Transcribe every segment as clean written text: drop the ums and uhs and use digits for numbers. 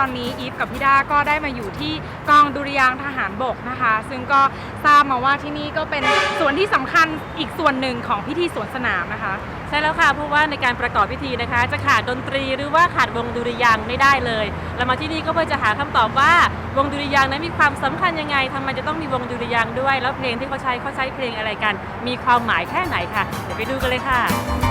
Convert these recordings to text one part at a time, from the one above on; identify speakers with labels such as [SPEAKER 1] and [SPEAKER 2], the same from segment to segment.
[SPEAKER 1] อนนี้อีฟกับพี่ด้าก็ได้มาอยู่ที่กองดุริยางค์ทหารบกนะคะซึ่งก็ทราบมาว่าที่นี่ก็เป็นส่วนที่สำคัญอีกส่วนหนึ่งของพิธีสวนสนามนะคะ
[SPEAKER 2] ใช่แล้วค่ะเพราะว่าในการประกอบพิธีนะคะจะขาดดนตรีหรือว่าขาดวงดุริยางค์ไม่ได้เลยเรามาที่นี่ก็เพื่อจะหาคำตอบว่าวงดุริยางค์นั้นมีความสำคัญยังไงทำไมจะต้องมีวงดุริยางค์ด้วยแล้วเพลงที่เขาใช้เพลงอะไรกันมีความหมายแค่ไหนค่ะเดี๋ยวไปดูกันเลยค่ะ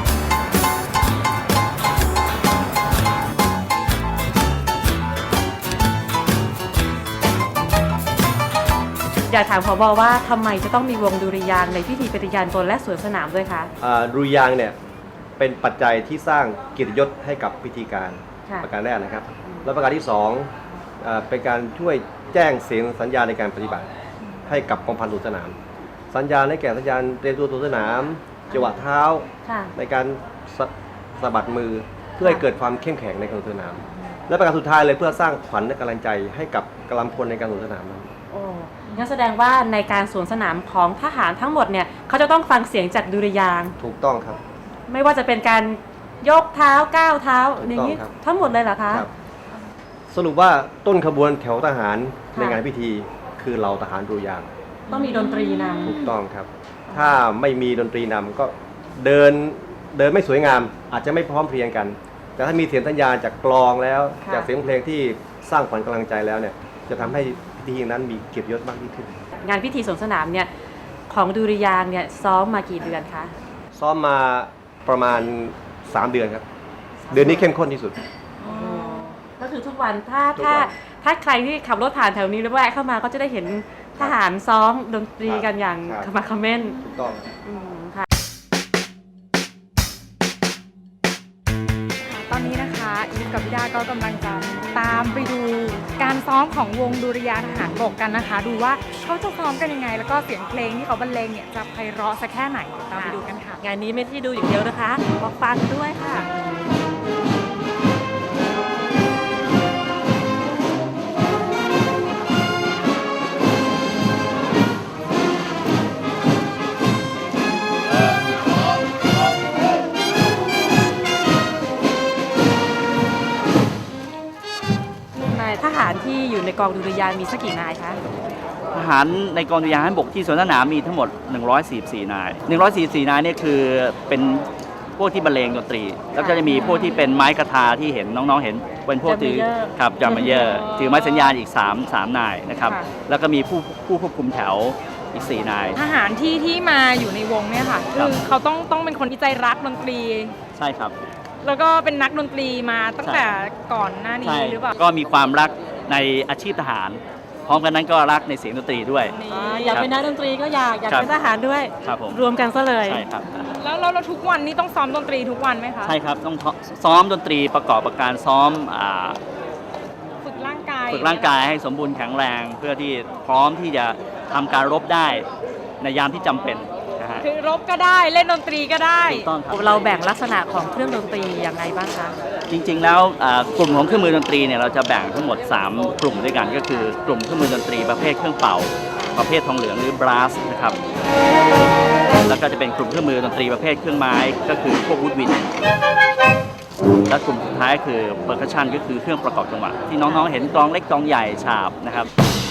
[SPEAKER 2] อยากถามผบ.ว่าทำไมจะต้องมีวงดุริยางค์ในพิธีปฏิญาณตนและสวนสนามด้วยคะ
[SPEAKER 3] ดุริยางค์เนี่ยเป็นปัจจัยที่สร้างเกียรติยศให้กับพิธีการประการแรกนะครับและประการที่2เป็นการช่วยแจ้งเสียงสัญญาณในการปฏิบัติให้กับกองพันสวนสนามสัญญาณได้แก่สัญญาณเตรียมตัวสวนสนามจังหวะเท้าในการสะบัดมือเพื่อให้เกิดความเข้มแข็งในการสวนสนามและประการสุดท้ายเลยเพื่อสร้างขวัญและกำลังใจให้กับกำลังพลในการสวนสนามนั้น
[SPEAKER 2] งั้นแสดงว่าในการสวนสนามของทหารทั้งหมดเนี่ยเขาจะต้องฟังเสียงจากดุริยางค์
[SPEAKER 3] ถูกต้องครับ
[SPEAKER 2] ไม่ว่าจะเป็นการยกเท้าก้าวเท้าอย่างนี้ทั้งหมดเลยเหรอคะ
[SPEAKER 3] สรุปว่าต้นขบวนแถวทหารในงานพิธีคือเราทหารดุริยางค์
[SPEAKER 2] ต้องมีดนตรีนำ
[SPEAKER 3] ถูกต้องครับถ้าไม่มีดนตรีนำก็เดินไม่สวยงามอาจจะไม่พร้อมเพรียงกันแต่ถ้ามีเสียงสัญญาณจากกลองแล้วจากเสียงเพลงที่สร้างขวัญกำลังใจแล้วเนี่ยจะทำให้พิธีนั้นมีเกียรติยศมากยิ่งขึ้น
[SPEAKER 2] งานพิธีสวนสนามเนี่ยของดุริยางค์เนี่ยซ้อมมากี่เดือนคะ
[SPEAKER 3] ซ้อมมาประมาณ3 เดือนครับเดือนนี้เข้มข้นที่สุด
[SPEAKER 2] ก็คือทุกวันถ้าใครที่ขับรถผ่านแถวนี้แล้วแวะเข้ามาก็จะได้เห็นทหารซ้อมดนตรีกันอย่างขมักเขม้น
[SPEAKER 3] ถูกต้อง
[SPEAKER 2] ค่ะ
[SPEAKER 1] ตอนนี้นะคะอีฟกับพี่ดาก็กำลังจะตามไปดูการซ้อมของวงดุริยางค์ทหารบกกันนะคะดูว่าเขาจะซ้อมกันยังไงแล้วก็เสียงเพลงที่เขาบรรเลงเนี่ยจะไพเราะสักแค่ไหนตามไปดูกันค่ะ
[SPEAKER 2] งานนี้ไม่ที่ดูอย่างเดียวนะคะมาฟังด้วยค่ะทหารที่อยู่ในกองดุริยางค์มีสักกี่นายคะ
[SPEAKER 4] ทหารในกองดุริยางค์ทหารบกที่สวนสนามมีทั้งหมด144 นาย144 นายเนี่ยคือเป็นพวกที่บรรเลงดนตรีแล้วก็จะมีพวกที่เป็นไม้กระทาที่เห็นน้องๆเห็นเป็นพวกถือครับจามเยอร์ถือไม้สัญญาณอีก3นายนะครับแล้วก็มีผู้ควบคุมแถวอีก4 นาย
[SPEAKER 1] ทหารที่มาอยู่ในวงเนี่ยค่ะคือเขาต้องเป็นคนที่ใจรักดนตรี
[SPEAKER 4] ใช่ครับ
[SPEAKER 1] แล้วก็เป็นนักดนตรีมาตั้งแต่ก่อนหน้านี้หรือเปล่า
[SPEAKER 4] ก็มีความรักในอาชีพทหารพร้อมกันนั้นก็รักในเสียงดนตรีด้วย
[SPEAKER 2] อยากเป็นนักดนตรีก็อยากเป็นทหารด้วยรวมกันซะเลย
[SPEAKER 4] ใช่ครับ
[SPEAKER 1] แล้วเราทุกวันนี้ต้องซ้อมดนตรีทุกวันไหมคะ
[SPEAKER 4] ใช่ครับต้องซ้อมดนตรีประกอบกับการซ้อม
[SPEAKER 1] ฝึกร่าง
[SPEAKER 4] กายให้สมบูรณ์แข็งแรงเพื่อที่พร้อมที่จะทำการรบได้ในยามที่จำเป็น
[SPEAKER 1] คือรบก็ได้เล่นดนตรีก็ได้
[SPEAKER 4] ถูกต้องครับ
[SPEAKER 2] เราแบ่งลักษณะของเครื่องดนตรีอย่างไรบ้างคะ
[SPEAKER 4] จริงๆแล้วกลุ่มของเครื่องมือดนตรีเนี่ยเราจะแบ่งทั้งหมด3 กลุ่มด้วยกันก็คือกลุ่มเครื่องมือดนตรีประเภทเครื่องเป่าประเภททองเหลืองหรือบราสนะครับแล้วก็จะเป็นกลุ่มเครื่องมือดนตรีประเภทเครื่องไม้ก็คือพวกวูดวินและกลุ่มสุดท้ายคือเปอร์คัชชันก็คือเครื่องประกอบจังหวะที่น้องๆเห็นกลองเล็กกลองใหญ่ฉาบนะครับ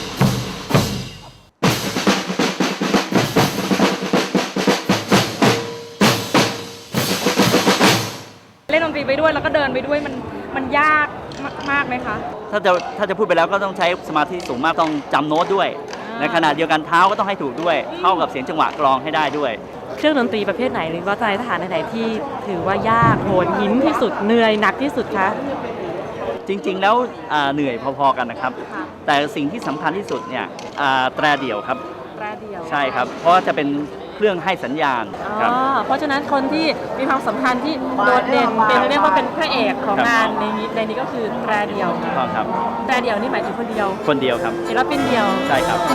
[SPEAKER 1] เล่นดนตรีไปด้วยแล้วก็เดินไปด้วยมันยากมากไหมคะ
[SPEAKER 4] ถ้าจะพูดไปแล้วก็ต้องใช้สมาธิสูงมากต้องจำโน้ตด้วยในขณะเดียวกันเท้าก็ต้องให้ถูกด้วยเข้ากับเสียงจังหวะกลองให้ได้ด้วย
[SPEAKER 2] เครื่องดนตรีประเภทไหนหรือว่าใจทหารไหนที่ถือว่ายากโหดหินที่สุดเหนื่อยหนักที่สุดคะ
[SPEAKER 4] จริงๆแล้วเหนื่อยพอๆกันนะครับแต่สิ่งที่สำคัญที่สุดเนี่ยแตรเดี่ยวครับ
[SPEAKER 2] แตรเดี่ยว
[SPEAKER 4] ใช่ครับเพราะว่าจะเป็นเครื่องให้สัญญาณครับ
[SPEAKER 2] เพราะฉะนั้นคนที่มีความสำคัญที่โดดเด่นเป็นเรียกว่าเป็นพระเอกของงานในนี้ก็คือแตรเดี่ยว
[SPEAKER 4] ครับ
[SPEAKER 2] แตรเดี่ยวนี่หมายถึงคนเดียว
[SPEAKER 4] ครับ
[SPEAKER 2] ศิลปินเดียว
[SPEAKER 4] ใช่ครับ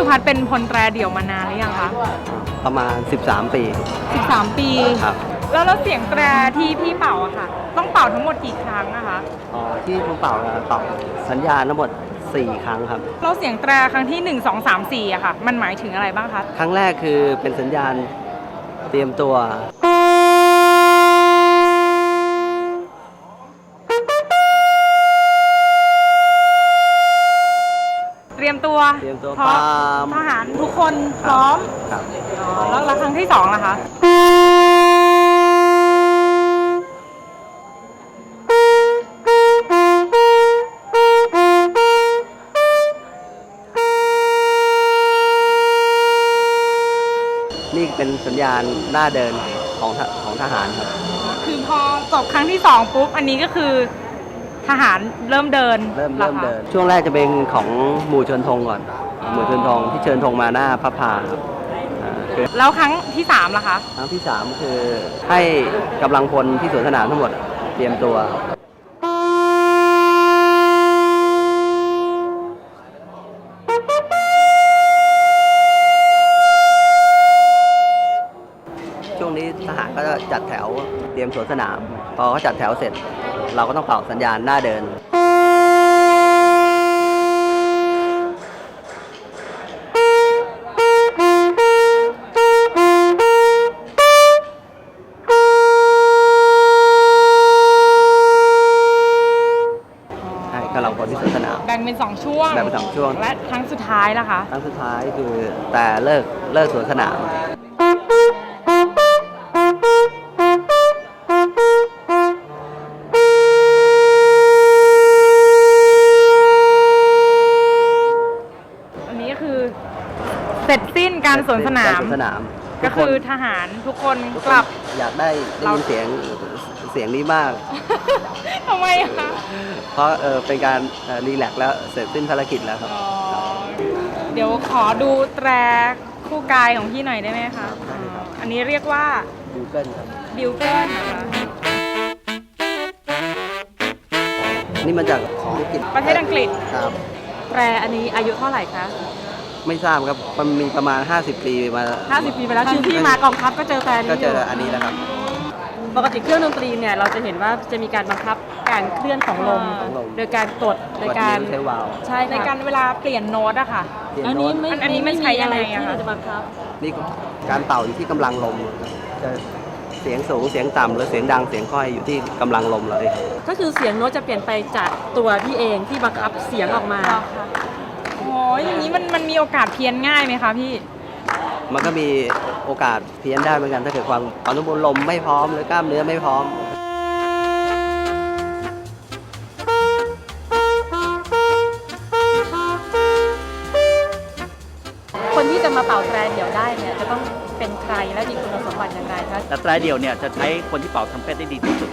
[SPEAKER 1] พัฒน์เป็นพลแตรเดี่ยวมานานหรือยังคะ
[SPEAKER 5] ประมาณ 13 ปี
[SPEAKER 1] 13 ปี
[SPEAKER 5] ครับ
[SPEAKER 1] แล้วเสียงแตรที่พี่เป่าอะค่ะ ต้องเป่าทั้งหมดกี่ครั้งอะคะ
[SPEAKER 5] ที่ผมเป่าสัญญาณทั้งหมด 4 ครั้งครับ
[SPEAKER 1] แล้วเสียงแตรครั้งที่ 1 2 3 4อะค่ะ มันหมายถึงอะไรบ้างคะ
[SPEAKER 5] ครั้งแรกคือเป็นสัญญาณเตรียมตัว
[SPEAKER 1] เตรียมตัว
[SPEAKER 5] เตรียมตัว
[SPEAKER 1] พร้อ
[SPEAKER 5] ปาม
[SPEAKER 1] ทหารทุกคนพร้อม
[SPEAKER 5] ครับ
[SPEAKER 1] แล้วครั้งที่2ล่ะคะ
[SPEAKER 5] นี่เป็นสัญญาณหน้าเดินของทหารครับ
[SPEAKER 1] คือพอจบครั้งที่2ปุ๊บ อันนี้ก็คือทหารเริ่มเดิน
[SPEAKER 5] เริ่ม
[SPEAKER 1] หรอคะ
[SPEAKER 5] เดิน ช่วงแรกจะเป็นของหมู่เชิญธงก่อน หมู่เชิญธงที่เชิญธงมาหน้าพระพาครับคือ
[SPEAKER 1] แล้วครั้งที่3ล่ะคะ
[SPEAKER 5] ครั้งที่ 3 คือให้กำลังพลที่สวนสนามทั้งหมดเตรียมตัว ช่วงนี้ทหารก็จะจัดแถวเตรียมสวนสนาม พอเขาจัดแถวเสร็จ เราก็ต้องเป่าสัญญาณหน้าเดิน ให้กำลังพลที่สวนสนาม
[SPEAKER 1] แบ่งเป็น2ช่วง
[SPEAKER 5] แบ่งเป็น2ช่วง
[SPEAKER 1] และครั้งสุดท้ายล่ะคะ
[SPEAKER 5] ครั้งสุดท้ายคือแต่เลิกสวนสนาม
[SPEAKER 1] อันนี้ก็คือเสร็จสิ้นการสวนสนาม
[SPEAKER 5] สวนสนาม
[SPEAKER 1] ก็คือ
[SPEAKER 5] ทุ
[SPEAKER 1] ทหารทุกคน
[SPEAKER 5] ทุก
[SPEAKER 1] ก
[SPEAKER 5] คน
[SPEAKER 1] ลับ
[SPEAKER 5] อยากได้ยินเสียงนี้มาก
[SPEAKER 1] ทำไมอะคะ
[SPEAKER 5] เพราะเป็นการรีแลกซ์แล้วเสร็จสิ้นภารกิจแล้วครับ
[SPEAKER 1] อ๋อเดี๋ยวขอดูแตรคู่กายของพี่หน่อยได้ไหมคะอันนี้เรียกว่า
[SPEAKER 5] ดูเกิลครับ
[SPEAKER 1] บิวเกิลนะคะ
[SPEAKER 5] นี่มาจากอังกฤษ
[SPEAKER 1] ประเทศอังกฤษ
[SPEAKER 5] ครับ
[SPEAKER 2] แตรอันนี้อายุเท่าไหร่คะ
[SPEAKER 5] ไม่ทราบครับ มันมีประมาณ 50 ปีมา
[SPEAKER 2] 50 ปีไปแล้วคือพี่มากองทัพก็เจอแตรนี้
[SPEAKER 5] ก็
[SPEAKER 2] อ
[SPEAKER 5] เจ
[SPEAKER 2] ยู่
[SPEAKER 5] ออันนี้แล้วครับ
[SPEAKER 2] ปกติเครื่องดนตรีเนี่ยเราจะเห็นว่าจะมีการบังคับการเคลื่อนของลม
[SPEAKER 5] ของลม
[SPEAKER 2] โดยการกดโดยการ
[SPEAKER 5] ใช้วาล์ว
[SPEAKER 2] ใช่
[SPEAKER 1] ใน
[SPEAKER 2] ค่ะ
[SPEAKER 1] การเวลาเปลี่ยนโน้ตอะค่ะ
[SPEAKER 5] เปลี่ยน
[SPEAKER 2] อัน
[SPEAKER 5] โน้
[SPEAKER 2] นี้
[SPEAKER 5] ต
[SPEAKER 2] ไม่
[SPEAKER 1] อันนี้มันใช้ยังไง
[SPEAKER 2] ที่
[SPEAKER 1] อะคะ
[SPEAKER 2] เราจะบังคับ
[SPEAKER 5] นี่การเป่าอยู่ที่กำลังลม จะเสียงสูงเสียงต่ำหรือเสียงดังเสียงค่อยอยู่ที่กำลังลมเราเอง
[SPEAKER 2] ก็คือเสียงโน้ตจะเปลี่ยนไปจากตัวพี่เองที่บังคับเสียงออกมา
[SPEAKER 1] โอ้ยอย่างนี้มันมีโอกาสเพี้ยนง่ายไหมคะพี่
[SPEAKER 5] มันก็มีโอกาสเพี้ยนได้เหมือนกันถ้าเกิดความสมบูรณ์ลมไม่พร้อมหรือกล้ามเนื้อไม่พร้อม
[SPEAKER 2] คนที่จะมาเป่าแตรเดี่ยวได้เนี่ยจะต้องเป็นใครและมีคุณสมบัติอย่างไรคะ
[SPEAKER 4] แต่แตรเดี่ยวเนี่ยจะใช้คนที่เป่าทำเพชรได้ดีที่สุด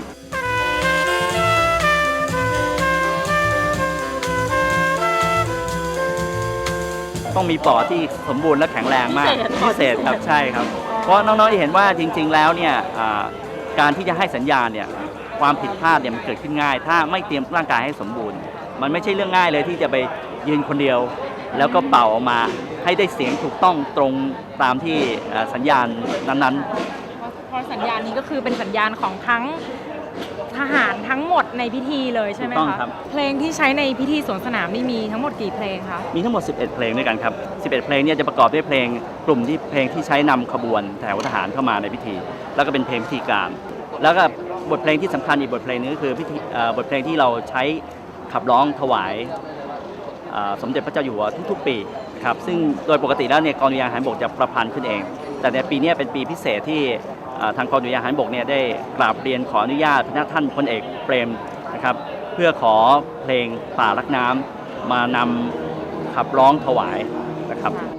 [SPEAKER 4] ต้องมีปอดที่สมบูรณ์และแข็งแรงมาก พิเศษครับใช่ครับ เพราะน้องๆที่เห็นว่าจริง ๆ แล้วเนี่ยการที่จะให้สัญญาณเนี่ยความผิดพลาดเนี่ยมันเกิดขึ้นง่าย ถ้าไม่เตรียมร่างกายให้สมบูรณ์ มันไม่ใช่เรื่องง่ายเลยที่จะไปยืนคนเดียว แล้วก็เป่าออกมาให้ได้เสียงถูกต้องตรงตามที่สัญญาณนั้นๆ
[SPEAKER 1] เพราะสัญญาณนี้ก็คือเป็นสัญญาณของทั้งทหารทั้งหมดในพิธีเลยใช่ไหม
[SPEAKER 4] ถูกต้อง
[SPEAKER 1] คะ
[SPEAKER 4] ครับ
[SPEAKER 1] เพลงที่ใช้ในพิธีสวนสนามนี่มีทั้งหมดกี่เพลงคะ
[SPEAKER 4] มีทั้งหมด 11 เพลงด้วยกันครับ 11 เพลงเนี่ยจะประกอบด้วยเพลงกลุ่มที่เพลงที่ใช้นำขบวนแถวทหารเข้ามาในพิธี แล้วก็เป็นเพลงพิธีการ แล้วก็บทเพลงที่สำคัญอีกบทเพลงนึงก็คือบทเพลงที่เราใช้ขับร้องถวายสมเด็จพระเจ้าอยู่หัวทุกๆปีครับ ซึ่งโดยปกติแล้วเนี่ยกองดุริยางค์ทหารบกจะประพันธ์ขึ้นเอง แต่ในปีนี้เป็นปีพิเศษที่ทางกองดุริยางค์ทหารบกเนี่ยได้กราบเรียนขออนุญาตพระท่านพลเอกเปรมนะครับเพื่อขอเพลงป่ารักน้ำมานำขับร้องถวายนะครับ